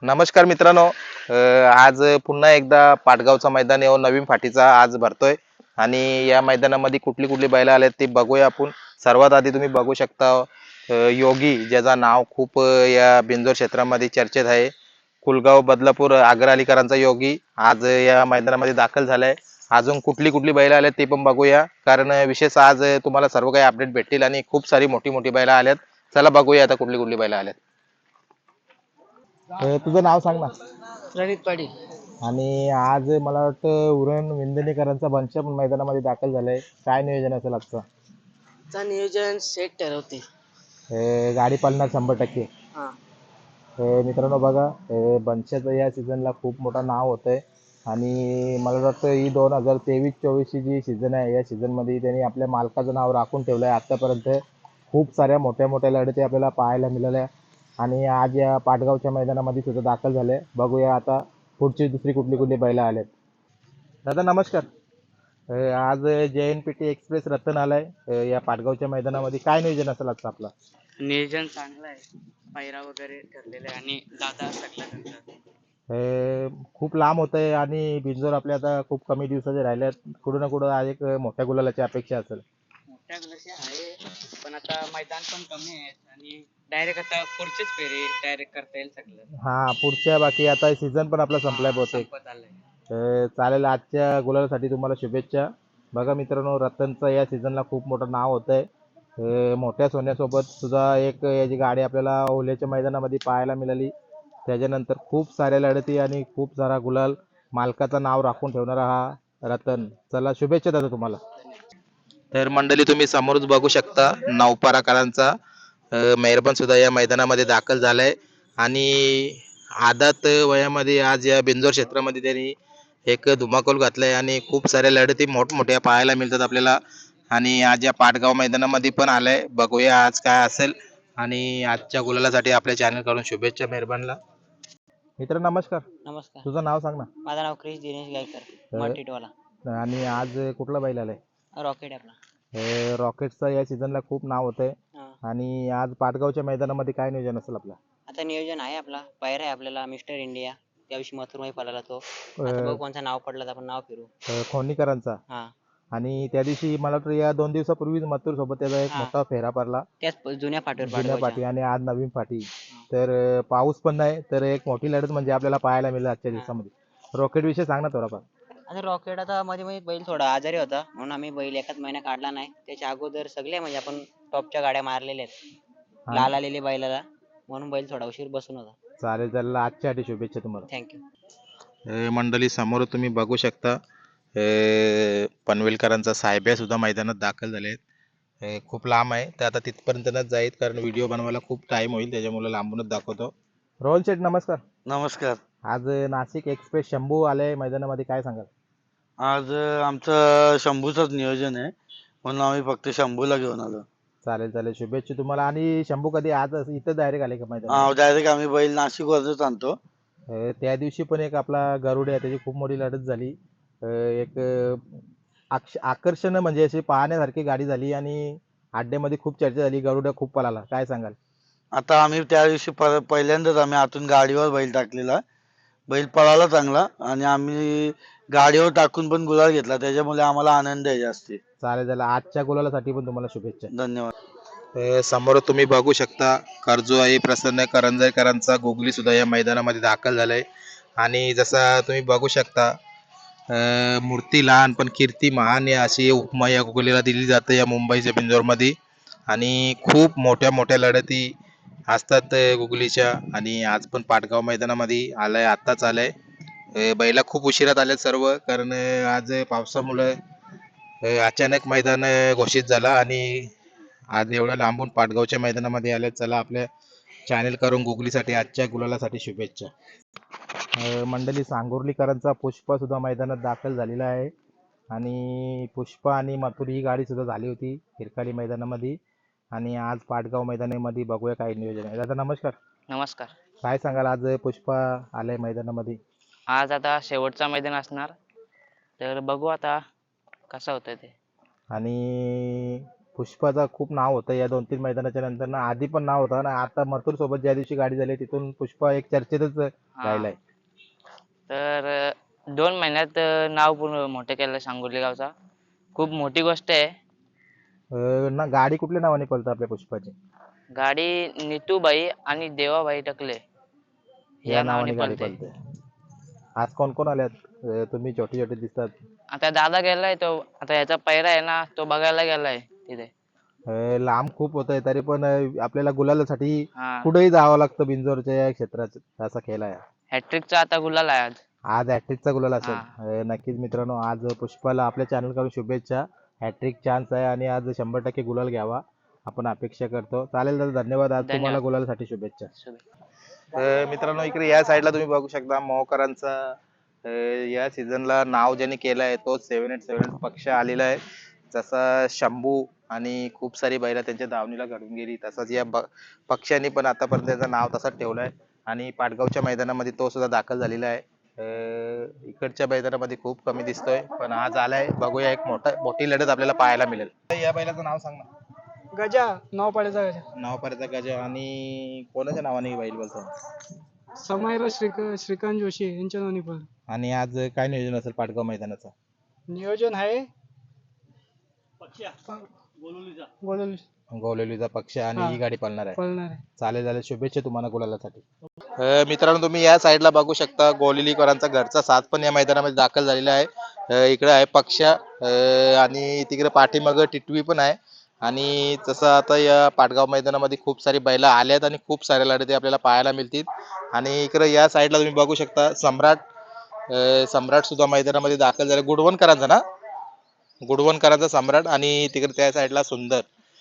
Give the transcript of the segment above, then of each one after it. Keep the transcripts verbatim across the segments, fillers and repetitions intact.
नमस्कार मित्रांनो. अ, आज पुन्हा एकदा पाटगावचा मैदान येऊन नवीन फाटीचा आज भरतोय आणि या मैदानामध्ये कुठली कुठली बैल आलेत ते बघूया आपण. सर्वात आधी तुम्ही बघू शकता अ, योगी ज्याचं नाव खूप अ, या बिंजोर क्षेत्रामध्ये चर्चेत आहे. कुलगाव बदलापूर आग्रा अलीकरांचा योगी आज या मैदानामध्ये दाखल झालाय. अजून कुठली कुठली बैल आलेत ते पण बघूया, कारण विशेष आज तुम्हाला सर्व काही अपडेट भेटतील आणि खूप सारी मोठी मोठी बैल आल्यात. चला बघूया आता कुठली कुठली बैल आल्यात. अ, तुझं नाव सांग ना. रणजित पाटील. आणि आज मला वाटतं उरण विंदणेकरांचा बंच पण मैदानामध्ये दाखल झालाय. काय नियोजन असेल आजचं? चा नियोजन सेट ठरवते. हे गाडी पळणार शंभर टक्के. हा. हे मित्रांनो बघा, हे बंचाचं या सीझनला खूप मोठं नाव होतंय आणि मला वाटतं ही दोन हजार तेवीस चोवीसची जी सीझन आहे या सीझनमध्ये त्यांनी आपल्या मालकाचं नाव राखून ठेवलं आहे. आत्तापर्यंत खूप साऱ्या मोठ्या मोठ्या लढती आपल्याला पाहायला मिळाल्या आणि आज या पाटगावच्या मैदानामध्ये सुद्धा दाखल झाले. बघूया आता पुढची दुसरी कुठली कुठली बैलं आलेत. दादा नमस्कार. अ, आज J N P T express Ratan आलाय अ, या पाटगावच्या मैदानामध्ये. काय नियोजन असेल आजचं आपलं? नियोजन चांगलं आहे. पायरा वगैरे ठरलेला आहे आणि दादा सगळा त्यांचा हे खूप लांब होतंय आणि बिंजोर आपल्या आता खूप कमी दिवसाचे राहिल्यात. कुठं ना कुठं आज एक मोठ्या गुलालाची अपेक्षा असेल. मोठ्या ग्लासी आहे. पण आता मैदान पण कमी आहे आणि डायरेक्ट आता पुढचेच फेरे डायरेक्ट करता येईल सगळं. हा, पुढच्या बाकी आता सीझन पण आपला संपलाय हा, बहुतेक. संपत आलंय. अ, चालेल, आजच्या गुलालासाठी तुम्हाला शुभेच्छा. बघा मित्रांनो, रतनचं या सीझनला खूप मोठं नाव होतंय. अ, मोठ्या सोन्यासोबत सुद्धा एक याची गाडी आपल्याला ओल्याच्या मैदानामध्ये पाहायला मिळाली. त्याच्यानंतर खूप साऱ्या लढती आणि खूप सारा गुलाल, मालकाचं नाव राखून ठेवणारा हा रतन. चला शुभेच्छा दादा तुम्हाला. तर मंडळी तुम्ही समोरच बघू शकता नवपाराकरांचा अ, मेहरबान सुद्धा या मैदानामध्ये दाखल झालाय आणि आदात वयामध्ये आज या बिंजोर क्षेत्रामध्ये त्यांनी एक धुमाकूल घातलाय आणि खूप साऱ्या लढती मोठमोठ्या पाहायला मिळतात आपल्याला. आणि आज या पाटगाव मैदानामध्ये पण आलाय. बघूया आज काय असेल आणि आजच्या गुलालासाठी आपल्या चॅनल कडून शुभेच्छा मेहरबानला. मित्र नमस्कार. नमस्कार. तुझं नाव सांग ना. माझं नाव क्रिश दिनेश गायकर, मटीटवाला. आणि आज कुठला बैल आलाय? रॉकेट आपला. हे रॉकेटचं या सीझनला खूप नाव होतंय हा. आणि आज पाटगावच्या मैदानामध्ये काय नियोजन असेल आपलं? आता नियोजन आहे आपला पायरा आहे आपल्याला मिस्टर इंडिया. त्याविषयी मथुरमाई पळाला तो. आता अ, बघू कोणचं नाव पडलं तर आपण नाव फिरू. अ, खोनीकरांचा. हा. आणि त्या दिवशी मला वाटतं या दोन दिवसापूर्वीच मथुर सोबत त्याचा एक हा. मोठा फेरा पडला. त्याच प- जुन्या फाटीवर जुन्या पाडगावच्या. पाठी आणि आज नवीन पाठी. तर अ, पाऊस पण नाही, तर एक मोठी लढत म्हणजे आपल्याला पाहायला मिळेल आजच्या हा. दिवसामध्ये. रॉकेट विषयी सांग ना थोडाफार. आता रॉकेट आता मध्ये मध्ये बैल थोडा आजारी होता म्हणून आम्ही बैल एकाच महिना काढला नाही. त्याच्या अगोदर सगळे म्हणजे आपण टॉपच्या गाड्या मारलेल्या आहेत. आणि लाल आलेले बैलाला म्हणून बैल थोडा उशीर बसून होता. चालेल, चालेल, आजच्यासाठी शुभेच्छा तुम्हाला. थँक्यू. अ, मंडळी समोर तुम्ही बघू शकता अ, पनवेलकरांचा साहेब्या सुद्धा मैदानात दाखल झाले आहेत. अ, खूप लांब आहे तर आता तिथपर्यंतच जाईल, कारण व्हिडिओ बनवायला खूप टाइम होईल, त्याच्यामुळे लांबूनच दाखवतो. रोहन शेठ नमस्कार. नमस्कार. आज नाशिक एक्सप्रेस शंभू आले मैदानामध्ये, काय सांगाल? आज अ, आमचं शंभूचंच नियोजन आहे म्हणून आम्ही फक्त शंभूला घेऊन आलो. चालेल, चालेल, शुभेच्छा तुम्हाला. आणि शंभू कधी आज इथं डायरेक्ट आले का मैदानामध्ये? डायरेक्ट आम्ही बैल नाशिकवरच आणतो. अ, त्या दिवशी पण एक आपला गरुड आहे, त्याची खूप मोठी लढत झाली. अ, एक अ, आक्ष आकर्षण म्हणजे अशी पाहण्यासारखी गाडी झाली आणि अड्ड्यामध्ये खूप चर्चा झाली. गरुड खूप पळाला, काय सांगाल? आता आम्ही त्या दिवशी पर पहिल्यांदाच आम्ही आतून गाडीवर बैल टाकलेला. बैल पळाला चांगला आणि आम्ही गाडीवर टाकून पण गुलाल घेतला, त्याच्यामुळे आम्हाला आनंद आहे जास्ती. चालेल, चालेल, आजच्या गुलालासाठी पण तुम्हाला शुभेच्छा. धन्यवाद. अ, समोर तुम्ही बघू शकता कर्जोआई प्रसन्न करंजकरांचा गोगली सुद्धा या मैदानामध्ये दाखल झालाय. आणि जसा तुम्ही बघू शकता अ, मूर्ती लहान पण कीर्ती महान या अशी उपमा या गोगलीला दिली जाते या मुंबईच्या बिंजोरमध्ये. आणि खूप मोठ्या मोठ्या लढती असतात अ, गुगलीच्या. आणि आज पण पाटगाव मैदानामध्ये आलाय, आत्ताच आलाय. अ, बैला खूप उशिरात आले सर्व, कारण अ, आज पावसामुळे अ, अचानक मैदान अ, घोषित झाला आणि आज एवढ्या लांबून पाटगावच्या मैदानामध्ये आले. चला आपल्या चॅनल करून गुगलीसाठी आजच्या गुलालासाठी शुभेच्छा. अ, मंडळी सांगोर्लीकरांचा पुष्पा सुद्धा मैदानात दाखल झालेला आहे आणि पुष्पा आणि मथुर ही गाडी सुद्धा झाली होती हिरकाली मैदानामध्ये. आणि आज पाटगाव मैदानामध्ये बघूया काय नियोजन आहे. दादा नमस्कार. नमस्कार. काय सांगाल, आज पुष्पा आलाय मैदानामध्ये? आज आता शेवटचा मैदान असणार तर बघू आता कसं होतं ते. आणि पुष्पाचा खूप नाव होतं या दोन तीन मैदानाच्या नंतर ना. आधी पण नाव होतं ना, आता मथुर सोबत ज्या दिवशी गाडी झाली तिथून पुष्पा एक चर्चेतच हा. राहिलाय? तर अं, दोन महिन्यात अं, नाव पूर्ण मोठं केलं सांगोली गावचा. खूप मोठी गोष्ट आहे. अं, ना गाडी कुठल्या नावाने पळतं आपल्या पुष्पाची? गाडी नितूबाई आणि देवाबाई टकले या या नावाने नावाने गाडी पळते. पळते. आज कोण कोण आल्यात? अं, तुम्ही छोटे छोटे दिसतात. आता दादा गेलाय, तो आता याचा पैरा आहे ना, तो बघायला गेलाय तिथे. अं, लांब खूप होत आहे तरी पण अं, आपल्याला गुलालासाठी हा. कुठेही जावं लागतं बिंजोरच्या या क्षेत्रात. असा खेळ आहे. हॅट्रिकचा आता गुलाल आहे आज. आज हॅट्रिकचा गुलाल असेल. हा. अं, नक्कीच मित्रांनो, आज पुष्पाला आपल्या चॅनल कडून शुभेच्छा. हॅट्रिक चान्स आहे आणि आज शंभर टक्के गुलाल घ्यावा आपण अपेक्षा करतो. चालेल दादा, धन्यवाद. आज तुम्हाला धन्यवाद. गुलालासाठी शुभेच्छा. शुभे- अं, मित्रांनो, इकडे या साईडला तुम्ही बघू शकता मोहकरांचा अं, या सीझनला नाव ज्याने केलं आहे तो सेव्हन एट सेव्हन एट पक्ष आलेला आहे. जसा शंभू आणि खूप सारी बैला त्यांच्या दावणीला घडून गेली, तसंच या ब- पक्षाने पण आतापर्यंत त्याचं नाव तसंच ठेवलं आहे आणि पाटगावच्या मैदानामध्ये तो सुद्धा दाखल झालेला आहे. अं, इकडच्या मैदानामध्ये खूप कमी दिसतोय पण आज आलाय. बघूया, एक मोठा मोठी लढत आपल्याला पाहायला मिळेल. या बैलाचं नाव सांग ना. गजा नाव पाड्याचा गजा नाव पर्यंत गजा आणि कोणाच्या नावाने ही बैल बोलतो? समायरा श्रीक श्रीकांत जोशी यांच्या दोन्ही पण आणि आज काय नियोजन असेल पाटगाव मैदानाचं? नियोजन आहे बोलवली गोलेलीचा पक्ष आणि हा. ही गाडी पळणार आहे. पळणार आहे. चालेल चालेल, शुभेच्छा तुम्हाला गुलालासाठी. अं, मित्रांनो, तुम्ही या साईडला बघू शकता गोलिलीकरांचा घरचा साथ पण या मैदानामध्ये दाखल झालेला आहे. अं, इकडे आहे पक्ष अं, आणि तिकडे पाठीमागं टिटवी पण आहे. आणि तसं आता या पाटगाव मैदानामध्ये खूप सारी बैला आल्यात आणि खूप साऱ्या लढती आपल्याला पाहायला मिळतील. आणि इकडे या साईडला तुम्ही बघू शकता सम्राट अं, सम्राट सुद्धा मैदानामध्ये दाखल झाला. गुडवणकरांचा ना, गुडवणकरांचा सम्राट आणि तिकडे त्या साईडला सुंदर.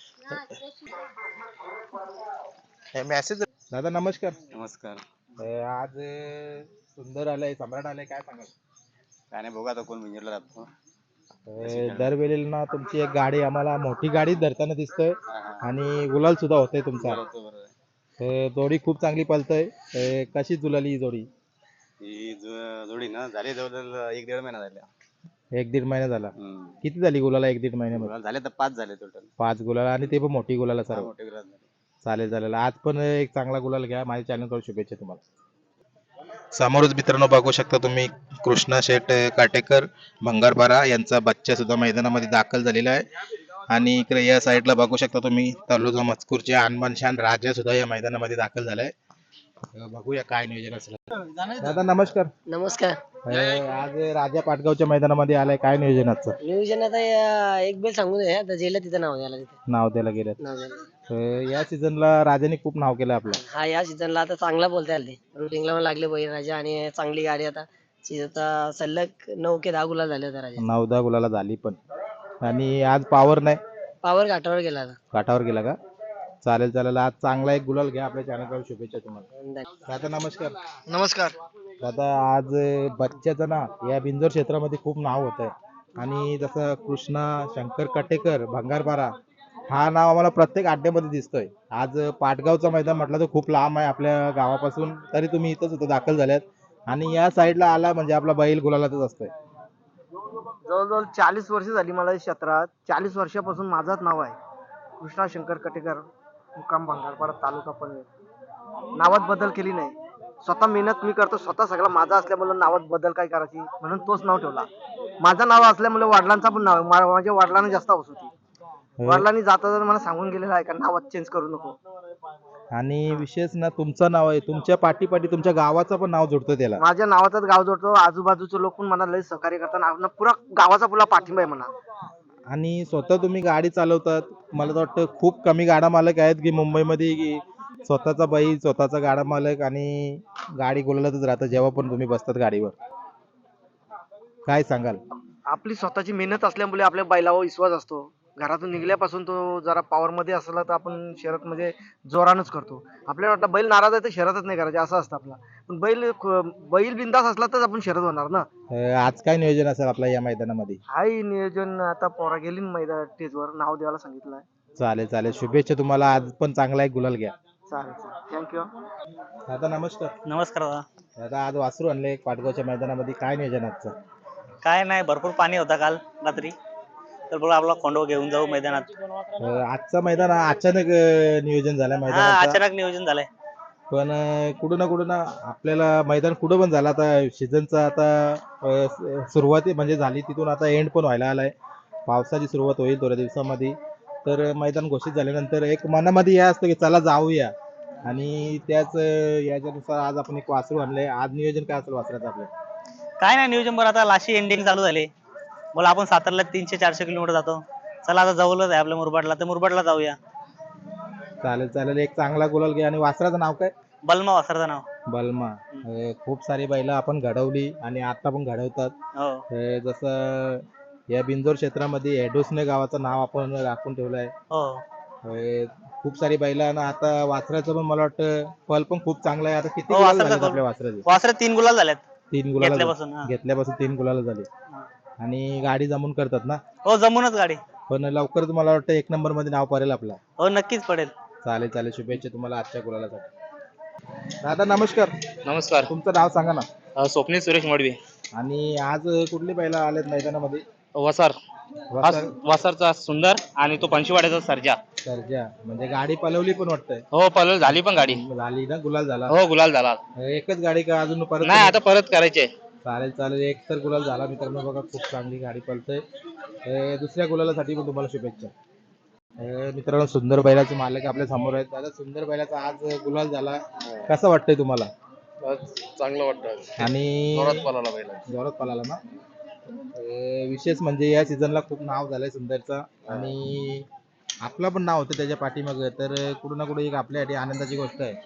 मेसेज दादा, नमस्कार. नमस्कार. अं, आज अं, सुंदर आलाय, सम्राट आलाय, काय सांगाल? काय नाही, बघा आता कोण विंजरला राहतो. अं, दरवेळेला ना तुमची एक गाडी आम्हाला मोठी गाडी धरताना दिसतोय आणि गुलाल सुद्धा होतोय तुमचा. बरोबर आहे. अं, जोडी खूप चांगली पळतय. अं, कशी जुलाली ही जोडी? ही जो- जोडी ना झाली जवळजवळ एक दीड महिना झाला. एक दीड महिना झाला. हम्म. किती झाली गुलाला एक दीड महिन्यामध्ये? गुलाल झाले तर पाच झाले टोटल. पाच गुलाल आणि ते पण मोठी गुलाला सर्व. मोठे गुलाल झाले. चालेल चालेल, आज पण एक चांगला गुलाल घ्या. माझ्या चॅनल कडून शुभेच्छा तुम्हाला. समोरच मित्रांनो बघू शकता तुम्ही कृष्णा शेठ काटेकर भंगारपारा यांचा बच्चा सुद्धा मैदानामध्ये दाखल झालेला आहे. आणि इकडे या साईडला बघू शकता तुम्ही तलोजा मजकूरचे अनमान शान राजा सुद्धा या मैदानामध्ये दाखल झालाय. अं, बघूया काय नियोजन असेल. दादा, नमस्कार. नमस्कार. अं, आज राजा पाटगावच्या मैदानामध्ये आलाय, काय नियोजन आजचं? नियोजन आता या- एक बेल सांगून दे, आता जेला तिथं नाव द्यायला तिथे नाव द्यायला गेलं. नाव द्यायला. अं, या सीझनला राजाने खूप नाव केलं आपलं. हा या सीझनला आता चांगला बोलता आले रुटिंगला पण लागले बळीराजा आणि चांगली गाडी आता सी- आता सलग नऊ के दहा गुलाल झाले होता राजा. नऊ दहा गुलाला झाली पण. आणि आज पावर नाही, पावर घाटावर गेला आता. काठावर गेला का? चालेल चालेल, आज चांगला एक गुलाल घ्या. आपल्या चॅनल कडून शुभेच्छा तुम्हाला. दादा, नमस्कार. नमस्कार. दादा, आज बच्च्याचं ना या बिंजोर क्षेत्रामध्ये खूप नाव होत आहे. आणि जसं कृष्णा शंकर कटेकर भंगारपारा हा नाव आम्हाला प्रत्येक अड्ड्यामध्ये दिसतोय. आज पाटगावचं मैदान म्हटलं तर खूप लांब आहे आपल्या गावापासून, तरी तुम्ही इथंच इथं दाखल झाल्यात आणि या साईडला आला म्हणजे आपला बैल गुलालातच असतोय. जवळजवळ चाळीस वर्ष झाली मला या क्षेत्रात. चाळीस वर्षापासून माझंच नाव आहे कृष्णा शंकर कटेकर, मुक्काम भंगारपाडा, तालुका पनवेल. नावात बदल केली नाही. स्वतः मेहनत मी करतो, स्वतः सगळं माझा असल्यामुळे नावात बदल काय करायची म्हणून तोच नाव ठेवला. माझं नाव असल्यामुळे वडिलांचा पण नाव आहे. मा- माझ्या वडिलांना जास्त हौस होती. वडिलांनी जाता जर मला सांगून गेलेलं आहे का नावात चेंज करू नको. आणि विशेष ना तुमचं नाव आहे, तुमच्या पाठीपाठी तुमच्या गावाचं पण नाव जोडतं त्याला. माझ्या नावाचाच गाव जोडतो. आजूबाजूचे लोक पण मला लय सहकार्य करतात. आपला पुरा गावाचा पुरा पाठिंबा आहे म्हणा. आणि स्वतः तुम्ही गाडी चालवतात. मला तर वाटतं खूप कमी गाडा मालक आहेत की मुंबईमध्ये की स्वतःचा बैल, स्वतःचा गाडा मालक आणि गाडी गुलालातच राहतं जेव्हा पण तुम्ही बसतात गाडीवर. काय सांगाल? आपली स्वतःची मेहनत असल्यामुळे आपल्या बैलावर विश्वास असतो. घरातून निघल्यापासून तो जरा पॉवर मध्ये असला तर आपण शर्यत म्हणजे जोरानच करतो. आपल्याला वाटतं बैल नाराज आहे तर शर्यतच नाही करायची असं असतं आपला. पण बैल बैल बिंदास असला तर आपण शर्यत होणार ना. अं, आज काय नियोजन असेल आपल्या या मैदानामध्ये? हाय नियोजन आता पोरा गेली ना मैदान स्टेजवर नाव द्यायला सांगितलंय. चालेल चालेल, शुभेच्छा तुम्हाला. आज पण चांगला एक गुलाल घ्या. चालेल चालेल, थँक्यू. दादा, नमस्कार. नमस्कार दादा. दादा, आज वासरू आणले एक पाटगावच्या मैदानामध्ये, काय नियोजन आजचं? काय नाही, भरपूर पाणी होता काल रात्री, तर बघा आपला खोंडो घेऊन जाऊ मैदानात. अं, आजचं मैदान अचानक अं, नियोजन झालं हा, मैदानाचं. अचानक नियोजन झालंय. पण अं, कुठं ना कुठं ना आपल्याला मैदान कुठं पण झालं आता सीझनचा आता अं, स- सुरुवाती म्हणजे झाली तिथून आता एंड पण व्हायला आलाय. पावसाची सुरुवात होईल थोड्या दिवसामध्ये. तर मैदान घोषित झाल्यानंतर एक मनामध्ये हे असतं की चला जाऊया आणि त्याच अं, याच्यानुसार आज आपण एक वासरू आणलंय. आज नियोजन काय असेल वासराचं आपलं? काय नाही नियोजन बरं आता लाशी एंडिंग चालू झाले. बोला आपण सातारला तीनशे चारशे किलोमीटर जातो. चला आता जवळच आहे आपल्या मुरबाडला तर मुरबाडला जाऊया. चालेल चालेल एक चांगला गुलाल घ्या. आणि वासराचं नाव काय? बलमा वासराचं नाव. बलमा. अं, खूप सारी बैलं आपण घडवली आणि आता पण घडवतात. हो अं, जसं या बिंजोर क्षेत्रामध्ये एडोसने गावाचं नाव आपण राखून ठेवलंय. हो अं, खूप सारी बैलं आणि आता वासराचं पण मला वाटतं पल पण खूप चांगला आहे. आता किती हो, गुलाल वासराचा झालेत पल. आपल्या वासराचे? वासरे तीन गुलाल झाल्यात तीन गुलाल घेतल्यापासून. हा. घेतल्यापासून तीन गुलाल झाले. आणि गाडी जमून करतात ना. हो जमूनच गाडी. पण लवकरच मला वाटतं एक नंबर मध्ये नाव पडेल आपलं. हो नक्कीच पडेल. चालेल चालेल शुभेच्छा तुम्हाला आजच्या गुलालासाठी. दादा नमस्कार. नमस्कार. तुमचं नाव सांगा ना. अ, स्वप्नील सुरेश मडवी. आणि आज कुठली बैलं आलेत मैदानामध्ये? वसार. हा वासर वसारचा सुंदर आणि तो पंचवाड्याचा सर्जा. सर्जा म्हणजे गाडी पलवली पण वाटतंय. हो पलल झाली पण गाडी. झाली ना गुलाल झाला. हो गुलाल झाला. एकच गाडी का अजून परत? नाही आता परत करायचे. चालेल चालेल एक तर गुलाल झाला मित्रांनो बघा खूप चांगली गाडी पळतंय. अं, दुसऱ्या गुलालासाठी पण तुम्हाला शुभेच्छा. अं, मित्रांनो सुंदर बैलाचे मालक आपल्या समोर आहेत. दादा सुंदर बैलाचा आज गुलाल झाला कसं वाटतंय तुम्हाला? चांगलं वाटतं. आणि पळाला बैल. जोरात पळाला ना. अं, विशेष म्हणजे या सीझनला खूप नाव झालंय सुंदरचा आणि आपला पण नाव होतं त्याच्या पाठीमागं. तर कुठं ना कुठं एक आपल्यासाठी आनंदाची गोष्ट आहे.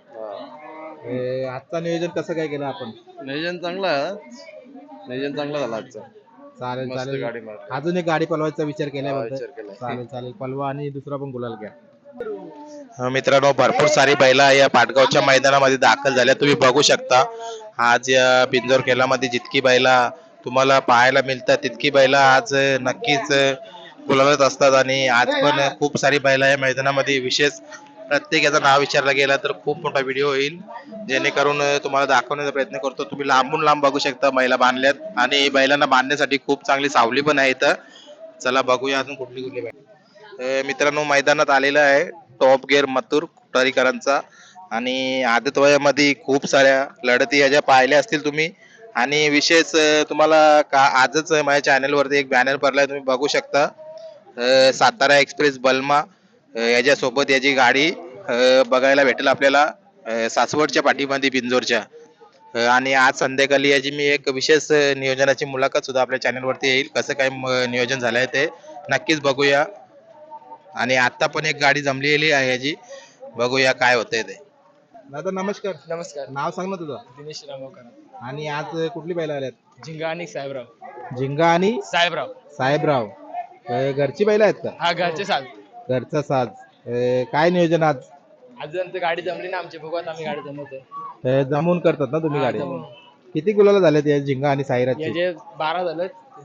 अं, आजचा नियोजन कसं काय केलं आपण? नियोजन चांगलं आहे. नियोजन चांगलं झालं आजचं. चालेल मस्त चालेल गाडी मारली. अजून एक गाडी पलवायचा विचार केलाय हा, बोलतोय. विचार केलाय. चालेल चालेल पलवा आणि दुसरा पण गुलाल घ्या. मित्रांनो भरपूर सारी बैला या पाटगावच्या मैदानामध्ये दाखल झाल्या तुम्ही बघू शकता. आज या बिंजोर खेळामध्ये जितकी बैला तुम्हाला पाहायला मिळतात तितकी बैला आज नक्कीच गुलालत असतात. आणि आज पण खूप सारी बैला या मैदानामध्ये विशेष प्रत्येकाचं नाव विचारलं गेलं तर खूप मोठा व्हिडिओ होईल जेणेकरून तुम्हाला दाखवण्याचा प्रयत्न करतो. तुम्ही लांबून लांब बघू शकता बैला बांधल्यात आणि बैलांना बांधण्यासाठी खूप चांगली सावली पण आहे इथं. चला बघूया अजून कुठली कुठली बैल. अं, मित्रांनो मैदानात आलेला आहे टॉप गिअर मथुर कुटारीकरांचा. आणि आदत वयामध्ये खूप साऱ्या लढती ह्याच्या पाहिल्या असतील तुम्ही. आणि विशेष अं, तुम्हाला का आजच माझ्या चॅनलवरती एक बॅनर पडलाय तुम्ही बघू शकता. अं, सातारा एक्सप्रेस बलमा अं, याच्यासोबत याची गाडी अं, बघायला भेटेल आपल्याला अं, सासवडच्या पाठीमध्ये बिंजोरच्या. अं, आणि आज संध्याकाळी याची मी एक विशेष अं, नियोजनाची मुलाखत सुद्धा आपल्या चॅनलवरती येईल. कसं काय म- नियोजन झालंय ते नक्कीच बघूया. आणि आता पण एक गाडी जमलेली आहे याची बघूया काय होतंय ते. दादा नमस्कार. नमस्कार. नाव सांग ना तुझं. दिनेश रामोकर. आणि आज कुठली बैल आल्यात? झिंगा आणि साहेबराव. झिंगा आणि साहेबराव. साहेबराव. अं, घरची बैल आहेत का? हा घरचे साल. घरचा साज. अं, काय नियोजन आज? अजून तर गाडी जमली ना आमची बघू आता आम्ही गाडी जमवतोय. अं, जमून करतात ना तुम्ही हा, गाडी? जमवून. किती गुलाला झालेत या झिंगा आणि साईराजची? याचे बारा झालं.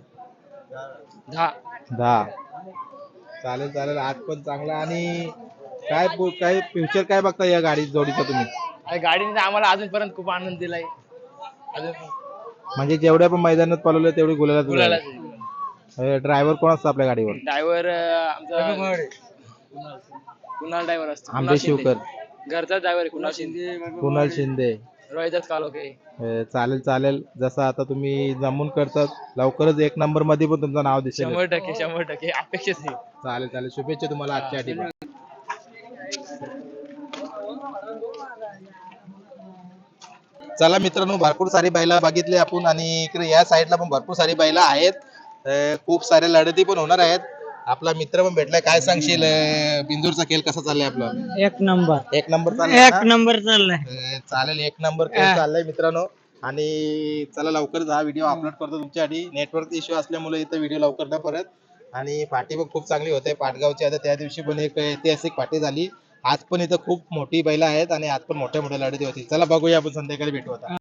दहा. दहा. चालेल चालेल आज पण चांगला. आणि काय पो- काय फ्युचर काय बघता या गाडी जोडीचं तुम्ही? आणि गाडीने आम्हाला अजूनपर्यंत खूप आनंद दिलाय. अजून म्हणजे जेवढ्या पण मैदानात पळवलं तेवढी गुलाला गुलाला ड्रायव्हर कोण असतो आपल्या गाडीवर? ड्रायव्हर आमचा कुणाल ड्रायव्हर असतो. आंबे शिवकर. घरचा ड्रायव्हर कुणाल शिंदे. कुणाल शिंदे. रोहिदास कालोखे. अं, चालेल चालेल जसं आता तुम्ही जमून करतात लवकरच एक नंबर मध्ये पण तुमचं नाव दिसेल. शंभर टक्के शंभर टक्के अपेक्षित आहे. चालेल चालेल शुभेच्छा तुम्हाला आजच्या साठी. चला मित्रांनो भरपूर सारी बैला बघितली आपण आणि इकडे या साईडला पण भरपूर सारी बैला आहेत. अं, खूप साऱ्या लढती पण होणार आहेत. आपला मित्र पण भेटलाय. काय सांगशील अं, बिंदूरचा खेळ कसा चाललाय आपला? एक नंबर. एक नंबर चाललाय एक ना? नंबर चाललाय. अं, चालेल एक नंबर खेळ चाललाय मित्रांनो. आणि चला लवकरच हा व्हिडिओ अपलोड करतो तुमच्यासाठी. नेटवर्क इश्यू असल्यामुळे इथं व्हिडिओ लवकर न परत. आणि पार्टी पण खूप चांगली होते पाटगावची. आता त्या दिवशी पण एक ऐतिहासिक पार्टी झाली. आज पण इथं खूप मोठी बैला आहेत आणि आज पण मोठ्या मोठ्या लढती होती. चला बघूया आपण संध्याकाळी भेटू आता.